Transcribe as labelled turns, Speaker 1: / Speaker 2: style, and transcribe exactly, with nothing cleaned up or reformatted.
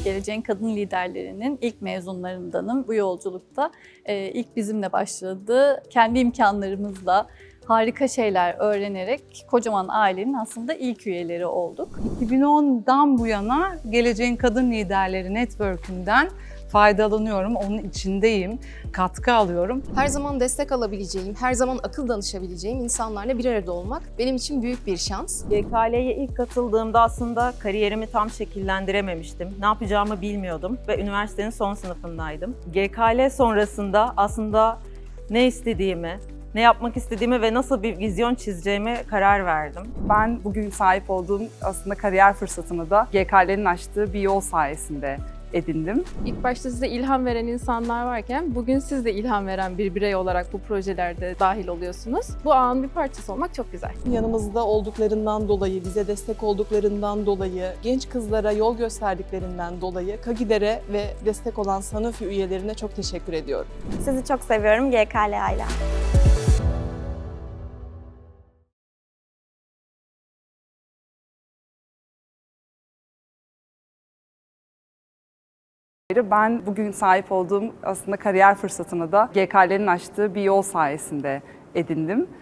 Speaker 1: Geleceğin Kadın Liderlerinin ilk mezunlarındanım. Bu yolculukta e, ilk bizimle başladı. Kendi imkanlarımızla harika şeyler öğrenerek kocaman ailenin aslında ilk üyeleri olduk.
Speaker 2: iki bin ondan bu yana Geleceğin Kadın Liderleri Network'ünden faydalanıyorum, onun içindeyim, katkı alıyorum.
Speaker 3: Her zaman destek alabileceğim, her zaman akıl danışabileceğim insanlarla bir arada olmak benim için büyük bir şans.
Speaker 4: G K L'ye ilk katıldığımda aslında kariyerimi tam şekillendirememiştim. Ne yapacağımı bilmiyordum ve üniversitenin son sınıfındaydım. G K L sonrasında aslında ne istediğimi, ne yapmak istediğimi ve nasıl bir vizyon çizeceğime karar verdim.
Speaker 5: Ben bugün sahip olduğum aslında kariyer fırsatını da G K L'nin açtığı bir yol sayesinde edindim.
Speaker 6: İlk başta size ilham veren insanlar varken bugün siz de ilham veren bir birey olarak bu projelerde dahil oluyorsunuz. Bu ağın bir parçası olmak çok güzel.
Speaker 7: Yanımızda olduklarından dolayı, bize destek olduklarından dolayı, genç kızlara yol gösterdiklerinden dolayı KAGİDER'e ve destek olan Sanofi üyelerine çok teşekkür ediyorum.
Speaker 8: Sizi çok seviyorum G K L aile.
Speaker 5: Ben bugün sahip olduğum aslında kariyer fırsatını da G K L'nin açtığı bir yol sayesinde edindim.